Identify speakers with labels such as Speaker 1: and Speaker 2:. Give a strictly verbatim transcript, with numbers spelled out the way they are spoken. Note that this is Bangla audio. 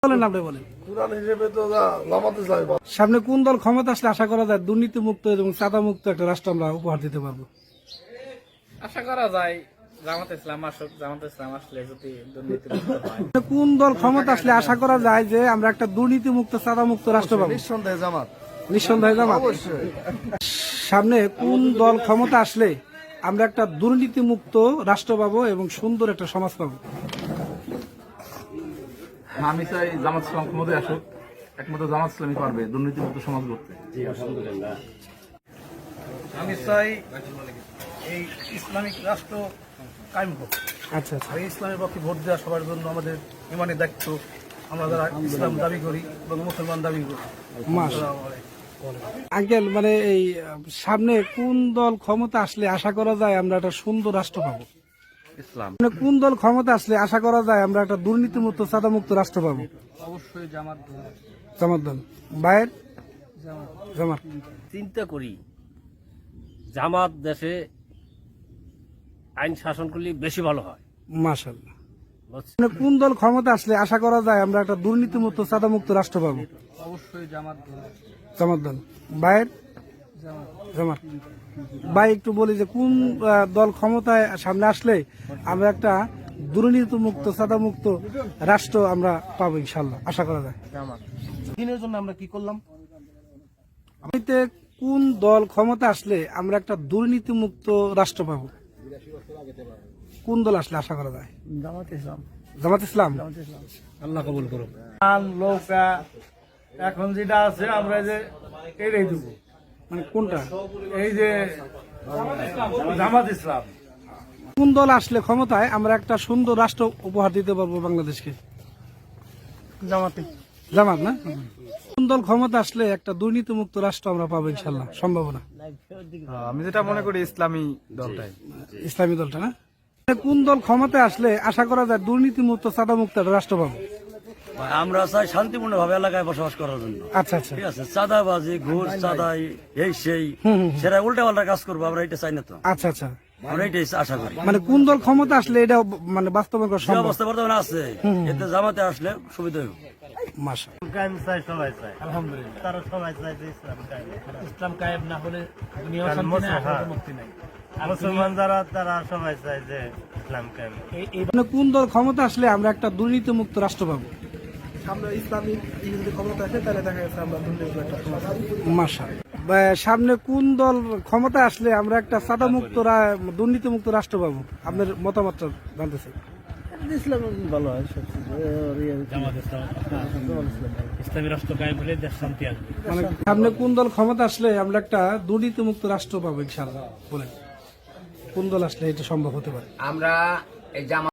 Speaker 1: বলেন আপনি বলেন
Speaker 2: কুরআন হিসেবে তো জামাত ইসলামী ভালো।
Speaker 1: সামনে কোন দল ক্ষমতা আসলে আশা করা যায় দুর্নীতি মুক্ত এবং চাঁদা মুক্ত একটা রাষ্ট্র আমরা উপহার দিতে পারবো?
Speaker 3: আশা করা যায় জামাত ইসলাম আসুক, জামাত ইসলাম আসলে যদি দুর্নীতি মুক্ত হয়।
Speaker 1: কোন দল ক্ষমতা আসলে আশা করা যায় যে আমরা একটা দুর্নীতি মুক্ত চাঁদা মুক্ত রাষ্ট্র পাবো?
Speaker 2: নিঃসন্দেহে জামাত।
Speaker 1: নিঃসন্দেহে জামাত।
Speaker 2: অবশ্যই।
Speaker 1: সামনে কোন দল ক্ষমতা আসলে আমরা একটা দুর্নীতি মুক্ত রাষ্ট্র পাবো এবং সুন্দর একটা সমাজ পাবো?
Speaker 4: আমি চাই জামাত ইসলাম ক্ষমতায় আসুক, একমাত্র জামাত ইসলামই পারবে দুর্নীতিমুক্ত সমাজ গড়তে।
Speaker 5: আমি চাই এই ইসলামিক রাষ্ট্র কায়েম হোক।
Speaker 1: আচ্ছা আচ্ছা
Speaker 5: আর এই ইসলামের পক্ষে ভোট দেওয়া সবার জন্য আমাদের ইমানের দায়িত্ব। আমরা যারা ইসলাম দাবি করি এবং মুসলমান দাবি করি।
Speaker 1: মাশাআল্লাহ। আঙ্কেল, মানে এই আহ, সামনে কোন দল ক্ষমতা আসলে আশা করা যায় আমরা একটা সুন্দর রাষ্ট্র পাবো?
Speaker 4: ইসলাম
Speaker 1: মানে কোন দল ক্ষমতা আসলে আশা করা যায় আমরা একটা দুর্নীতি মুক্ত চাঁদা মুক্ত রাষ্ট্র পাবো?
Speaker 3: অবশ্যই জামাত।
Speaker 1: জামাত দল। বাইর জামাত।
Speaker 6: চিন্তা করি জামাত দেশে আইন শাসন করলে বেশি ভালো হয়।
Speaker 1: মাশাআল্লাহ। মানে কোন দল ক্ষমতা আসলে আশা করা যায় আমরা একটা দুর্নীতি মুক্ত চাঁদা মুক্ত রাষ্ট্র পাবো?
Speaker 3: অবশ্যই জামাত।
Speaker 1: জামাত দল। বাইর জামাত। ভাই একটু বলি যে কোন আহ, দল ক্ষমতায় সামনে আসলে আমরা একটা দুর্নীতি মুক্ত চাঁদা মুক্ত রাষ্ট্র আমরা পাবো ইনশাল্লাহ আশা করা যায়?
Speaker 5: দিনের জন্য আমরা কি করলাম?
Speaker 1: আমিতে কোন দল ক্ষমতা আসলে আমরা একটা দুর্নীতি মুক্ত রাষ্ট্র পাবো? কোন দল আসলে আশা করা যায়?
Speaker 5: জামাত ইসলাম।
Speaker 1: জামাত ইসলাম।
Speaker 5: আল্লাহ কবুল করুন। নৌকা এখন যেটা আছে আমরা যে এটাই দেবো,
Speaker 1: মানে কোনটা?
Speaker 5: এই যে জামাত ইসলাম।
Speaker 1: কোন দল আসলে ক্ষমতায় আমরা একটা সুন্দর রাষ্ট্র উপহার দিতে পারবো বাংলাদেশকে?
Speaker 5: জামাতে।
Speaker 1: জামাত না? কোন দল ক্ষমতা আসলে একটা দুর্নীতি মুক্ত রাষ্ট্র আমরা পাবো ইনশাল্লাহ সম্ভাবনা?
Speaker 4: আমি যেটা মনে করি ইসলামী দলটাই।
Speaker 1: ইসলামী দলটা না? কোন দল ক্ষমতায় আসলে আশা করা যায় দুর্নীতি মুক্ত চাঁদা মুক্ত একটা রাষ্ট্র পাবো?
Speaker 6: আমরা চাই শান্তিপূর্ণ ভাবে এলাকায় বসবাস করার জন্য।
Speaker 1: আচ্ছা আচ্ছা।
Speaker 6: ঠিক আছে, চাঁদাবাজি ঘুষ চাঁদাই এই সেই সেটা উল্টা পাল্টা কাজ করবো, আমরা এটা চাই না তো।
Speaker 1: আচ্ছা আচ্ছা।
Speaker 6: আমরা এটাই আশা করি।
Speaker 1: মানে কোন দল ক্ষমতা আসলে এটা মানে বাস্তবায়ন করা
Speaker 6: যে
Speaker 1: সম্ভব?
Speaker 6: অবস্থা বর্তমানে আছে এতে জামাতে আসলে সুবিধা হবে।
Speaker 1: মাশাআল্লাহ।
Speaker 5: কায়েম চাই, সবাই চাই। আলহামদুলিল্লাহ তারা সবাই চাই যে ইসলাম কায়েম। ইসলাম কায়েম না হলে দুনিয়া শান্তি নাই, আখিরাতে মুক্তি নাই। মুসলমান যারা তারা সবাই চাই যে ইসলাম কায়েম।
Speaker 1: মানে কোন দল ক্ষমতা আসলে আমরা একটা দুর্নীতি মুক্ত রাষ্ট্র পাবো?
Speaker 5: সামনে ইসলামিক যদি ক্ষমতা আসে তাহলে দেখা যাচ্ছে আমরা দুর্নীতি একটা সমাজ পাবো।
Speaker 1: মাশাআল্লাহ। বা সামনে কোন দল ক্ষমতা আসলে আমরা একটা চাঁদা মুক্ত দুর্নীতি মুক্ত রাষ্ট্র পাবো? আপনার মতামতটা জানতে চাই।
Speaker 5: ইসলাম ভালো হয় সবচেয়ে।
Speaker 3: জামাত ইসলাম। ইসলামী রাষ্ট্র কায়েম হলে দেশ শান্তি আসবে।
Speaker 1: মানে সামনে কোন দল ক্ষমতা আসলে আমরা একটা দুর্নীতি মুক্ত রাষ্ট্র পাবো ইনশাআল্লাহ বলেন? কোন দল আসলে এটা সম্ভব হতে পারে?
Speaker 7: আমরা এই জামাত